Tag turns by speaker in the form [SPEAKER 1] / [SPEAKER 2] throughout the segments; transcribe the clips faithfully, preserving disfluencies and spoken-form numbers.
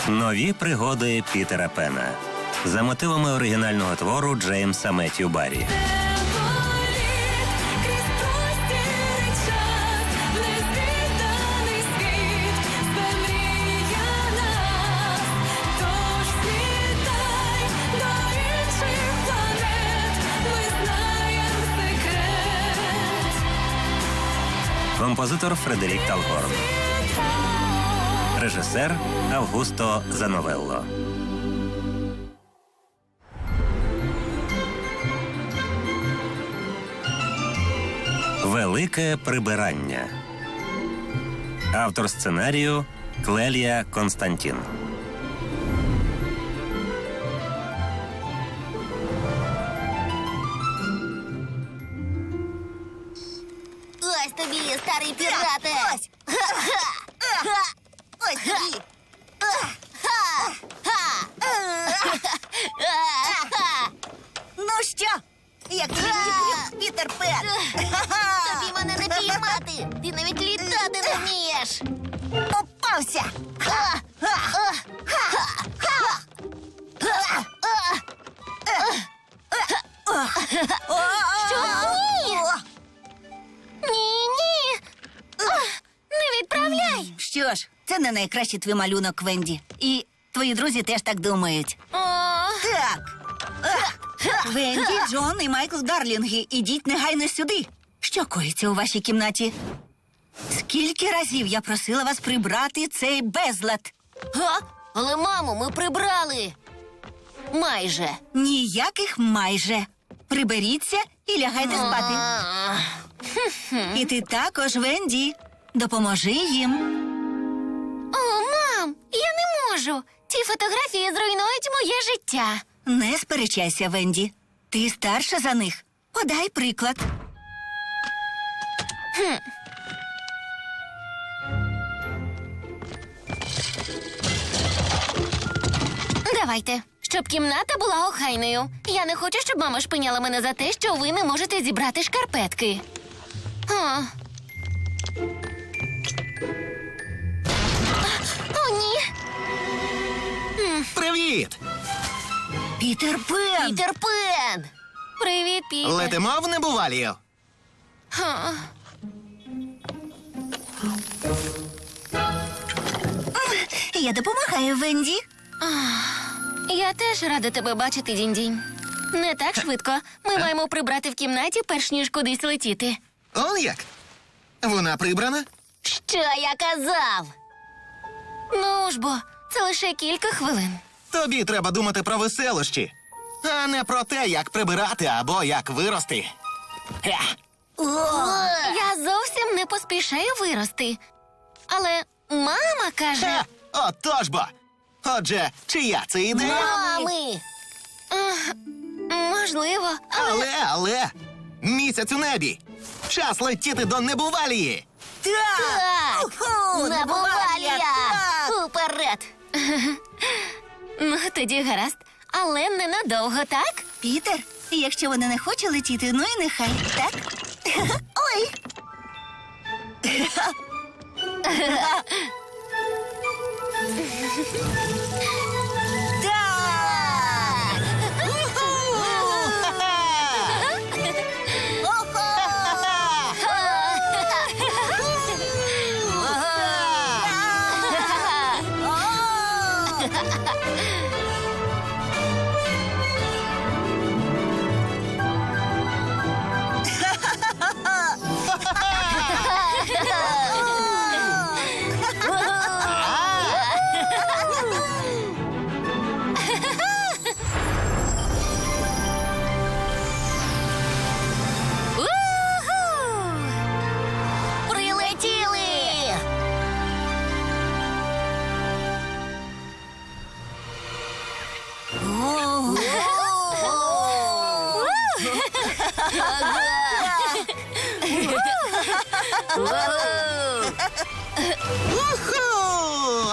[SPEAKER 1] Нові пригоди Пітера Пена за мотивами оригінального твору Джеймса Меттью Баррі. Композитор Фредерік Талгорн. Режисер Августо Зановелло. Велике прибирання. Автор сценарію Клелія Константін.
[SPEAKER 2] Ось тобі, старий пірате! Ось! Ось тобі! Ну що? Як тобі мій Пітер Пен? Тобі мене не піймати! Ти навіть літати не вмієш! Попався! Що? Ні! Ні-ні! Не відправляй!
[SPEAKER 3] Що ж, це не найкращий твій малюнок, Венді. І твої друзі теж так думають.
[SPEAKER 2] О,
[SPEAKER 3] Так. Венді, Джон і Майкл Дарлінги, ідіть негайно сюди. Що коїться у вашій кімнаті? Скільки разів я просила вас прибрати цей безлад?
[SPEAKER 2] га? Але, мамо, ми прибрали! Майже.
[SPEAKER 3] Ніяких майже. Приберіться і лягайте спати.
[SPEAKER 2] А,
[SPEAKER 3] І ти також, Венді. Допоможи їм.
[SPEAKER 2] О, мам, я не можу. Ці фотографії зруйнують моє життя.
[SPEAKER 3] Не сперечайся, Венді. Ти старша за них. Подай приклад.
[SPEAKER 2] Давайте, щоб кімната була охайною. Я не хочу, щоб мама шпиняла мене за те, що ви не можете зібрати шкарпетки. О, О ні!
[SPEAKER 4] Привіт!
[SPEAKER 3] Пітер Пен!
[SPEAKER 2] Пітер Пен! Привіт, Пітер.
[SPEAKER 4] Летимо в небувалію.
[SPEAKER 2] Ха.
[SPEAKER 3] Я допомагаю, Венді.
[SPEAKER 2] Я теж рада тебе бачити, Дінь-Дінь. Не так швидко. Ми маємо прибрати в кімнаті, перш ніж кудись летіти.
[SPEAKER 4] Он як? Вона прибрана?
[SPEAKER 2] Що я казав? Ну ж бо, це лише кілька хвилин.
[SPEAKER 4] Тобі треба думати про веселощі, а не про те, як прибирати або як вирости. Хе.
[SPEAKER 2] Я зовсім не поспішаю вирости. Але мама каже...
[SPEAKER 4] Хе. Отож бо. Отже, чия це ідея?
[SPEAKER 2] Мами! Ех, можливо, але...
[SPEAKER 4] Але, але, місяць у небі. Час летіти до небувалії.
[SPEAKER 2] Так!
[SPEAKER 3] Уху,
[SPEAKER 2] Небувалія!
[SPEAKER 3] так!
[SPEAKER 2] Уперед! Ну, тоді гаразд. Але ненадовго, так?
[SPEAKER 3] Пітер, якщо вона не хоче летіти, ну і нехай, так? Ой!
[SPEAKER 2] Так! Уху! Прилетіли!
[SPEAKER 4] Уху!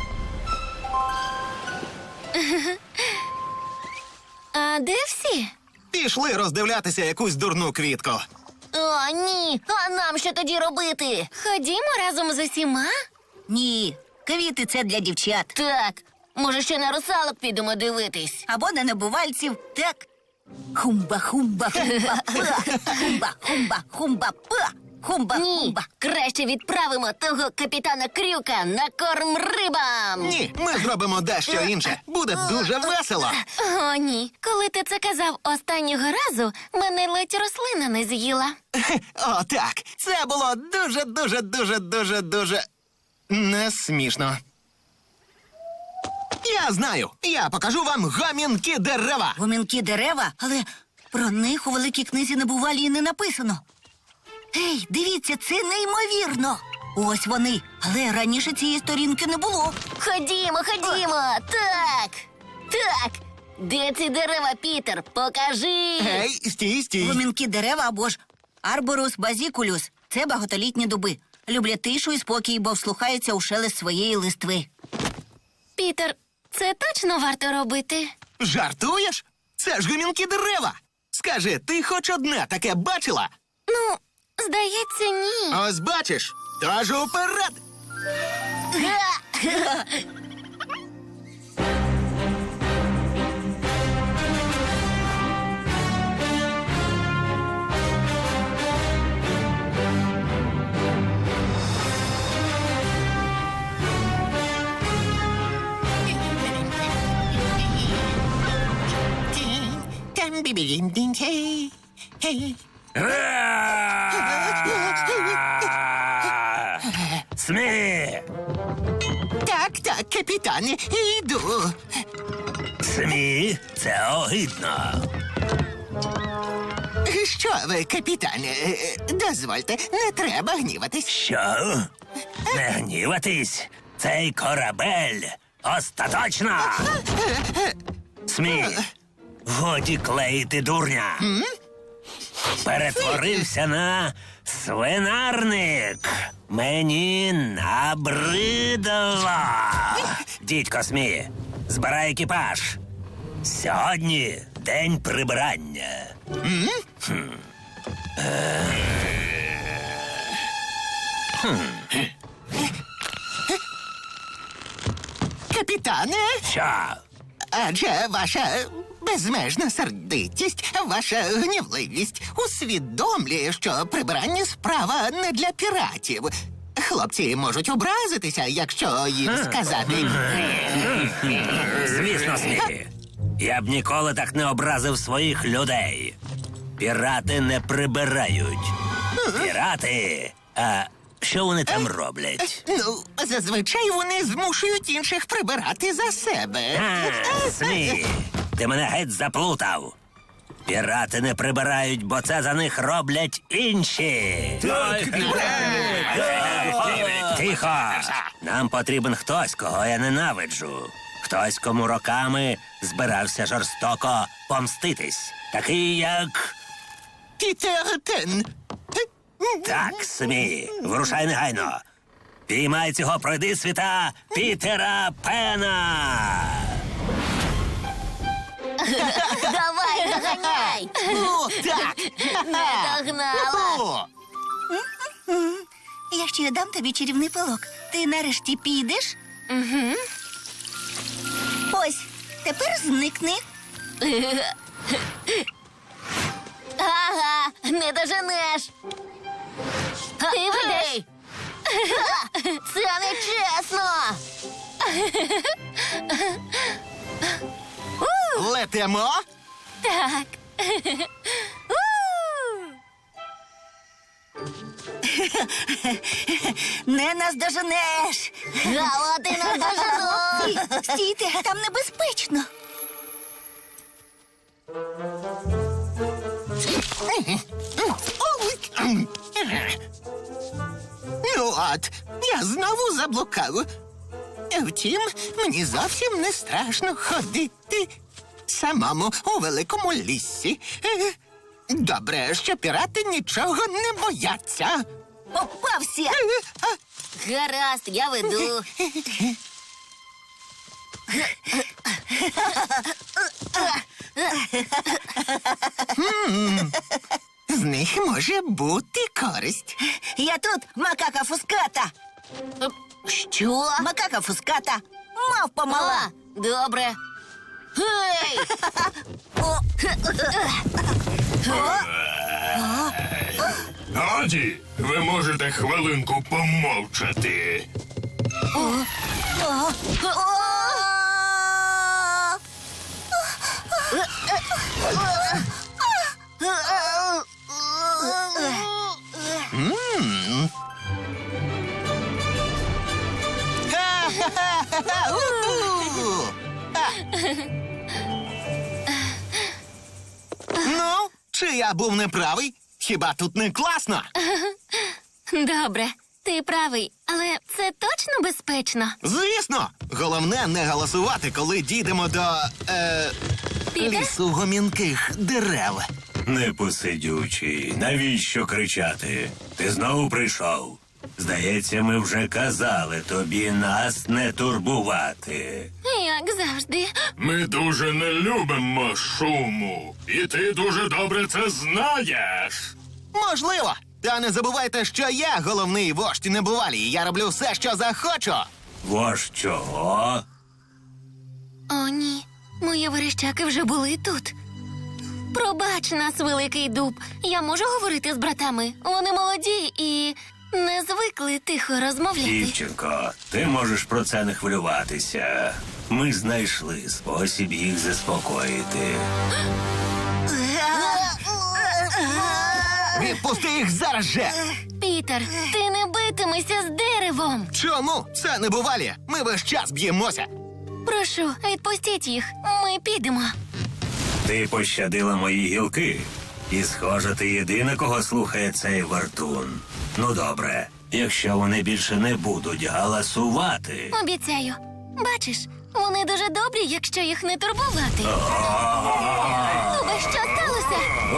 [SPEAKER 2] А де всі?
[SPEAKER 4] Пішли роздивлятися якусь дурну квітку.
[SPEAKER 2] О, ні. А нам що тоді робити? Ходімо разом з усіма?
[SPEAKER 3] Ні, квіти це для дівчат.
[SPEAKER 2] Так. Може, ще на русалок підемо дивитись?
[SPEAKER 3] Або на небувальців, так? Хумба, хумба, хумба, па. Хумба, хумба, хумба, па. Хумба,
[SPEAKER 2] Ні,
[SPEAKER 3] хумба.
[SPEAKER 2] краще відправимо того капітана Крюка на корм рибам.
[SPEAKER 4] Ні, ми зробимо дещо інше. Буде дуже весело.
[SPEAKER 2] О, ні. Коли ти це казав останнього разу, мене ледь рослина не з'їла.
[SPEAKER 4] О, так. Це було дуже, дуже, дуже, дуже, дуже не смішно. Я знаю. Я покажу вам гамінки дерева.
[SPEAKER 3] Гомінки дерева, але про них у великій книзі небувалі не написано. Ей, дивіться, це неймовірно. Ось вони, але раніше цієї сторінки не було.
[SPEAKER 2] Ходімо, ходімо. Так. Так. Де ці дерева, Пітер? Покажи.
[SPEAKER 4] Гей, стій, стій.
[SPEAKER 3] Гомінки дерева або ж арборус базікулюс – це багатолітні дуби. Люблять тишу і спокій, бо вслухаються у шелест своєї листви.
[SPEAKER 2] Пітер, це точно варто робити?
[SPEAKER 4] Жартуєш? Це ж гамінки дерева. Скажи, ти хоч одне таке бачила?
[SPEAKER 2] Ну, здається, ні.
[SPEAKER 4] Ось бачиш. Тож уперед.
[SPEAKER 1] Смі!
[SPEAKER 4] Так, так, капітане, йду.
[SPEAKER 1] Смі, це огидно.
[SPEAKER 4] Що ви, капітане, е, дозвольте, не треба гніватись.
[SPEAKER 1] Що? Не гніватись? Цей корабель остаточно. Смі, годі клеїти дурня. Перетворився на свинарник. Мені набридло. Дідько Смі, збирай екіпаж. Сьогодні день прибирання.
[SPEAKER 4] Капітане,
[SPEAKER 1] Що?
[SPEAKER 4] адже ваша безмежна сердитість, ваша гнівливість усвідомлює, що прибирання справа не для піратів. Хлопці можуть образитися, якщо їм сказати.
[SPEAKER 1] Звісно, Смі. Я б ніколи так не образив своїх людей. Пірати не прибирають. Пірати. А що вони там роблять?
[SPEAKER 4] Ну, зазвичай вони змушують інших прибирати за себе.
[SPEAKER 1] А, Смі, ти мене геть заплутав. Пірати не прибирають, бо це за них роблять інші. Тихо! Нам потрібен хтось, кого я ненавиджу. Хтось, кому роками збирався жорстоко помститись. Такий, як...
[SPEAKER 4] Пітер Пен.
[SPEAKER 1] Так, Смі, вирушай негайно. Піймай цього пройдисвіта Пітера Пена!
[SPEAKER 2] Давай, доганяй.
[SPEAKER 4] О, так!
[SPEAKER 2] Не догнала.
[SPEAKER 4] О,
[SPEAKER 3] Я ще дам тобі чарівний пилок. Ти нарешті підеш?
[SPEAKER 2] Угу.
[SPEAKER 3] Ось, тепер зникни.
[SPEAKER 2] Ага, не доженеш. Ти ведеш. Це не чесно.
[SPEAKER 4] летимо.
[SPEAKER 2] Так.
[SPEAKER 3] Не наздоженеш.
[SPEAKER 2] Гала, ти не дожену.
[SPEAKER 3] Стійте, там небезпечно.
[SPEAKER 4] Ну от, я знову заблукав. Втім, мені зовсім не страшно ходити самому у великому лісі. Е, Добре, що пірати нічого не бояться.
[SPEAKER 3] Попався.
[SPEAKER 4] Е, а,
[SPEAKER 2] Гаразд, я веду.
[SPEAKER 4] З них може бути користь.
[SPEAKER 3] Я тут, макака фуската.
[SPEAKER 2] Що?
[SPEAKER 3] Макака фуската. Мавпа мала.
[SPEAKER 2] А, добре. Гей!
[SPEAKER 5] Годі, ви можете хвилинку помовчати.
[SPEAKER 4] Ха-ха-ха! У-ху! Ну, чи я був неправий? Хіба тут не класно?
[SPEAKER 6] Добре, ти правий, але це точно безпечно.
[SPEAKER 4] Звісно! Головне не голосувати, коли дійдемо до е,
[SPEAKER 6] Піде?
[SPEAKER 4] лісу гомінких дерев.
[SPEAKER 1] Непосидючий, навіщо кричати? Ти знову прийшов. Здається, ми вже казали тобі нас не турбувати.
[SPEAKER 6] Як завжди.
[SPEAKER 5] Ми дуже не любимо шуму. І ти дуже добре це знаєш.
[SPEAKER 4] Можливо. Та не забувайте, що я головний вождь небувалі, і я роблю все, що захочу.
[SPEAKER 1] Вож чого?
[SPEAKER 6] О, ні. Мої верещаки вже були тут. Пробач нас, великий дуб. Я можу говорити з братами. Вони молоді і не звикли тихо розмовляти.
[SPEAKER 1] Дівчинко, ти можеш про це не хвилюватися. Ми знайшли спосіб їх заспокоїти.
[SPEAKER 4] Відпусти їх зараз же!
[SPEAKER 6] Пітер, ти не битимешся з деревом.
[SPEAKER 4] Чому? Це небувалі. Ми весь час б'ємося.
[SPEAKER 6] Прошу, відпустіть їх. Ми підемо.
[SPEAKER 1] Ти пощадила мої гілки. І, схоже, ти єдина, кого слухає цей вартун. Ну, добре, якщо вони більше не будуть галасувати.
[SPEAKER 6] Обіцяю. Бачиш, вони дуже добрі, якщо їх не турбувати. Дубе, що сталося?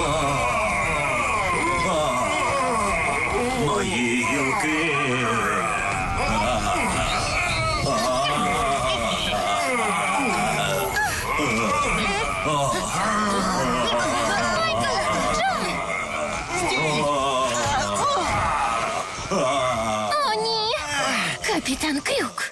[SPEAKER 1] Мої гілки.
[SPEAKER 6] О, ні! Капітан Крюк.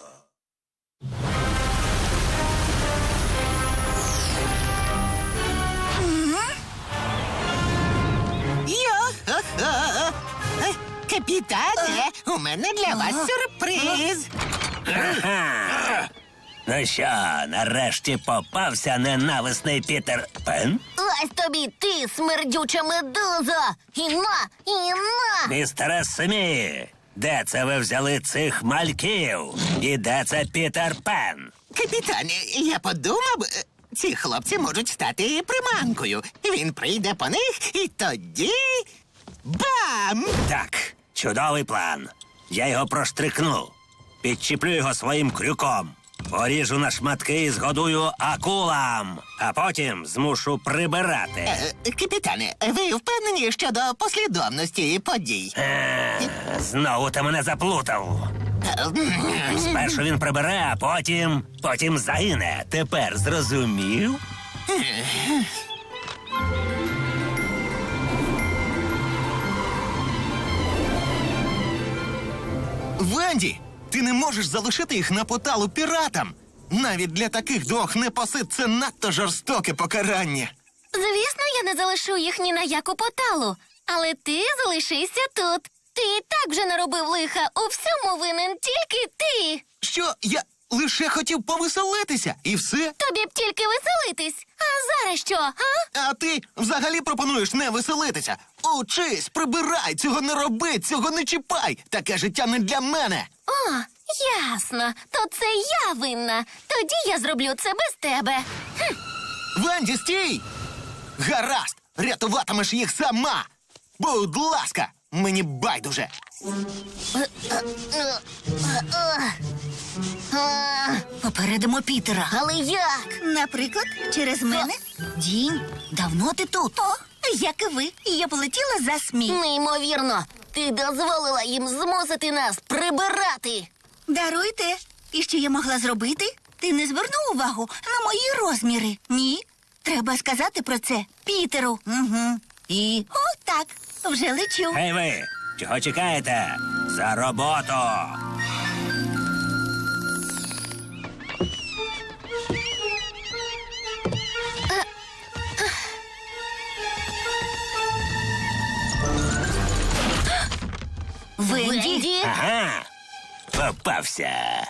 [SPEAKER 4] Йо-хо-хо! Е, Капітане, у мене для вас сюрприз.
[SPEAKER 1] Ага. Ну що, нарешті попався ненависний Пітер Пен?
[SPEAKER 2] Ось тобі ти, смердюча медуза! І на, і на!
[SPEAKER 1] Містере Смі, де це ви взяли цих мальків? І де це Пітер Пен?
[SPEAKER 4] Капітане, я подумав, е, ці хлопці можуть стати приманкою. Він прийде по них і тоді. Бам!
[SPEAKER 1] Так, чудовий план. Я його проштрикну. Підчіплю його своїм крюком. Поріжу на шматки і згодую акулам. А потім змушу прибирати.
[SPEAKER 4] Е, Капітане, ви впевнені щодо послідовності подій?
[SPEAKER 1] Е, Знову ти мене заплутав. Спершу він прибере, а потім. потім загине. Тепер зрозумів?
[SPEAKER 4] Венді, ти не можеш залишити їх на поталу піратам. Навіть для таких двох непосид це надто жорстоке покарання.
[SPEAKER 6] Звісно, я не залишу їх ні на яку поталу. Але ти залишися тут. Ти і так вже наробив лиха. У всьому винен тільки ти.
[SPEAKER 4] Що я лише хотів повеселитися, і все?
[SPEAKER 6] Тобі б тільки веселитись. А зараз що, а?
[SPEAKER 4] А ти взагалі пропонуєш не веселитися. Учись, прибирай, цього не роби, цього не чіпай. Таке життя не для мене.
[SPEAKER 6] О, ясно. То це я винна. Тоді я зроблю це без тебе. Хм.
[SPEAKER 4] Венді, стій! Гаразд, рятуватимеш їх сама. Будь ласка, мені байдуже.
[SPEAKER 3] Попередимо Пітера.
[SPEAKER 2] Але як?
[SPEAKER 3] Наприклад, через мене? Дінь, давно ти тут. О, як і ви. Я полетіла за Смі.
[SPEAKER 2] Неймовірно! Ти дозволила їм змусити нас прибирати!
[SPEAKER 3] Даруйте. І що я могла зробити? Ти не звернув увагу на мої розміри? Ні? Треба сказати про це Пітеру. Угу. І о, так, вже лечу.
[SPEAKER 1] Гей ви, чого чекаєте? За роботу!
[SPEAKER 3] Венді,
[SPEAKER 1] Ага, попався.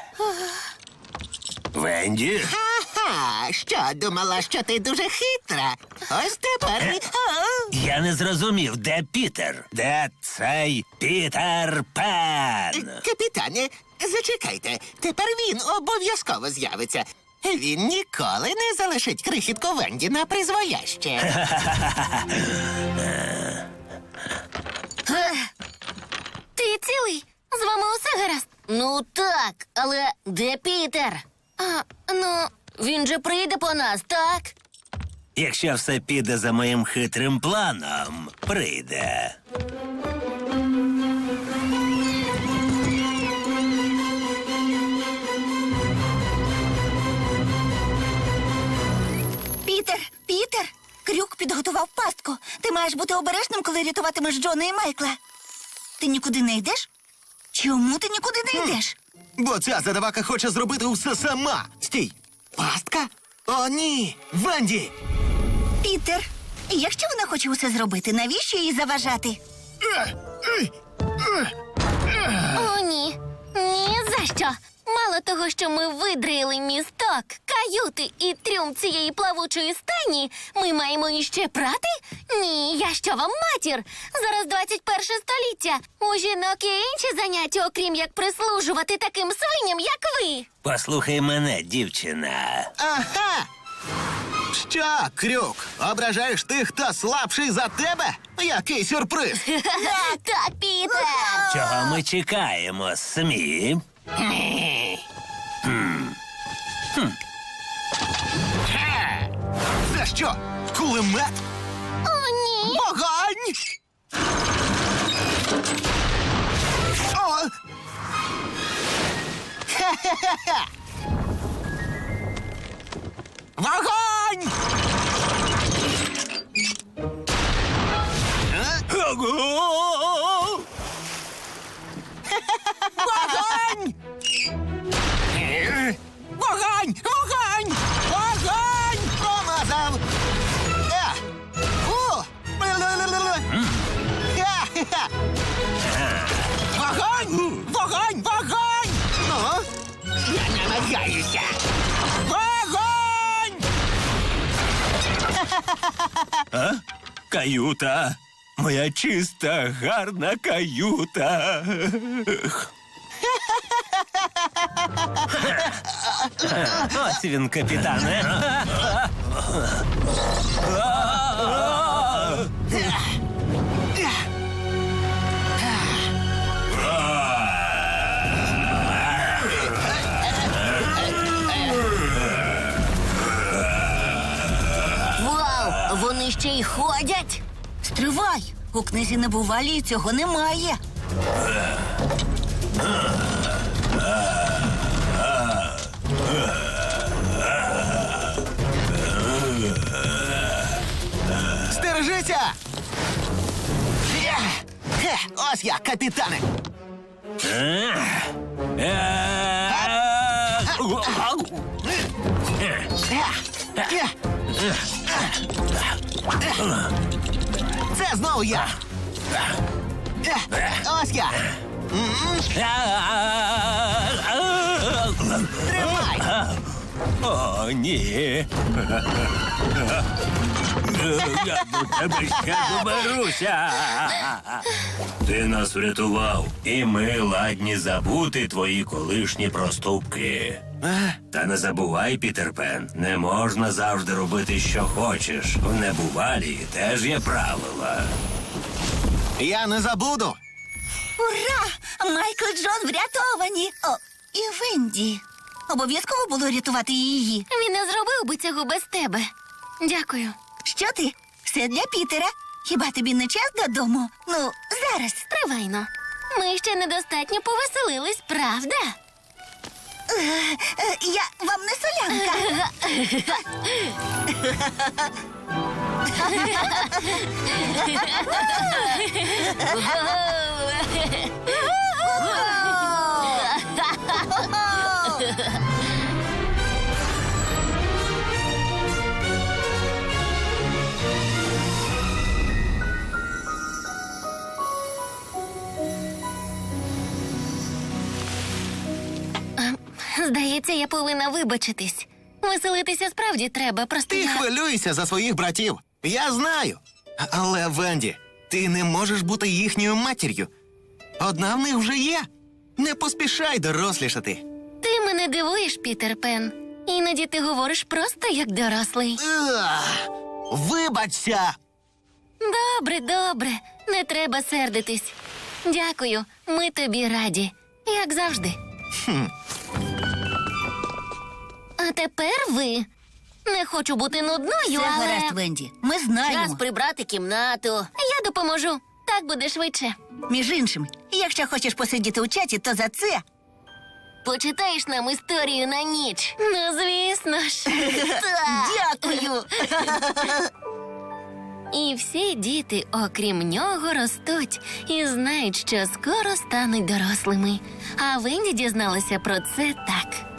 [SPEAKER 1] Венді?
[SPEAKER 4] Ага, що, думала, що ти дуже хитра? Ось тепер... і- О,
[SPEAKER 1] Я не зрозумів, де Пітер? Де цей Пітер Пен?
[SPEAKER 4] Капітане, зачекайте. Тепер він обов'язково з'явиться. Він ніколи не залишить крихітку Венді на призволяще.
[SPEAKER 6] Ти цілий? З вами усе гаразд?
[SPEAKER 2] Ну так, але де Пітер?
[SPEAKER 6] А, ну,
[SPEAKER 2] Він же прийде по нас, так?
[SPEAKER 1] Якщо все піде за моїм хитрим планом, прийде.
[SPEAKER 3] Пітер, Пітер, Крюк підготував пастку. Ти маєш бути обережним, коли рятуватимеш Джона і Майкла. Ти нікуди не йдеш? Чому ти нікуди не йдеш?
[SPEAKER 7] Бо ця задавака хоче зробити все сама. Стій! Пастка? О, ні! Венді!
[SPEAKER 3] Пітер, якщо вона хоче усе зробити, навіщо їй заважати?
[SPEAKER 6] о, ні. Ні за що. Мало того, що ми видрили місток, каюти і трюм цієї плавучої стані, ми маємо іще прати? Ні, я що вам матір? Зараз двадцять перше століття. У жінок є інші заняття, окрім як прислужувати таким свиням, як ви.
[SPEAKER 1] Послухай мене, дівчина.
[SPEAKER 7] Ага! Що, Крюк, ображаєш тих, хто слабший за тебе? Який сюрприз!
[SPEAKER 2] Так, Пітер!
[SPEAKER 1] Чого ми чекаємо, Смі?
[SPEAKER 7] Це що, кулемет?
[SPEAKER 6] О, ні.
[SPEAKER 7] Вогонь! О! Хе-хе-хе-хе! Вогонь!
[SPEAKER 1] Ого!
[SPEAKER 7] Вогонь! Вогонь! Вогонь! Вогонь! Промазав! Е! Фу! Ле-ле-ле-ле! Ха-ха-ха! Вогонь! Вогонь! Вогонь! Ну? Я намагаюся! Вогонь!
[SPEAKER 1] А? Каюта. Моя чиста, гарна каюта. Ось він, капітане.
[SPEAKER 2] Вау! Вони ще й ходять!
[SPEAKER 3] Стривай! У книзі небувалі цього немає.
[SPEAKER 7] Стережися! Є! Хе, ось я, капітане! Є! Це знову я! Є! Ось я! Тримай!
[SPEAKER 1] О, ні. Я до тебе ще доберуся. Ти нас врятував, і ми ладні забути твої колишні проступки. Та не забувай, Пітер Пен, не можна завжди робити, що хочеш. В небувалі теж є правила.
[SPEAKER 7] Я не забуду!
[SPEAKER 3] Ура! Майкл і Джон врятовані! О, і Венді. Обов'язково було рятувати її.
[SPEAKER 6] Він не зробив би цього без тебе. Дякую.
[SPEAKER 3] Що ти? Все для Пітера. Хіба тобі не час додому? Ну, зараз.
[SPEAKER 6] Тривайно. Ми ще недостатньо повеселились, правда?
[SPEAKER 3] Е, Я вам не солянка.
[SPEAKER 6] Здається, я повинна вибачитись. Веселитися справді треба, просто
[SPEAKER 7] Ти
[SPEAKER 6] я...
[SPEAKER 7] хвилюйся за своїх братів. Я знаю. Але, Венді, ти не можеш бути їхньою матір'ю. Одна в них вже є. Не поспішай дорослішати.
[SPEAKER 6] Ти мене дивуєш, Пітер Пен. Іноді ти говориш просто як дорослий.
[SPEAKER 7] Ах, вибачся!
[SPEAKER 6] Добре, добре. Не треба сердитись. Дякую, ми тобі раді. Як завжди.
[SPEAKER 7] Хм.
[SPEAKER 6] А тепер ви. Не хочу бути нудною,
[SPEAKER 3] Це
[SPEAKER 6] але...
[SPEAKER 3] гаразд, Венді. Ми знаємо.
[SPEAKER 2] прибрати кімнату.
[SPEAKER 6] Я допоможу. Так буде швидше.
[SPEAKER 3] Між іншим, якщо хочеш посидіти у чаті, то за це.
[SPEAKER 6] Почитаєш нам історію на ніч. Ну, звісно ж.
[SPEAKER 3] Дякую.
[SPEAKER 6] І всі діти, окрім нього, ростуть і знають, що скоро стануть дорослими. А Венді дізналася про це так.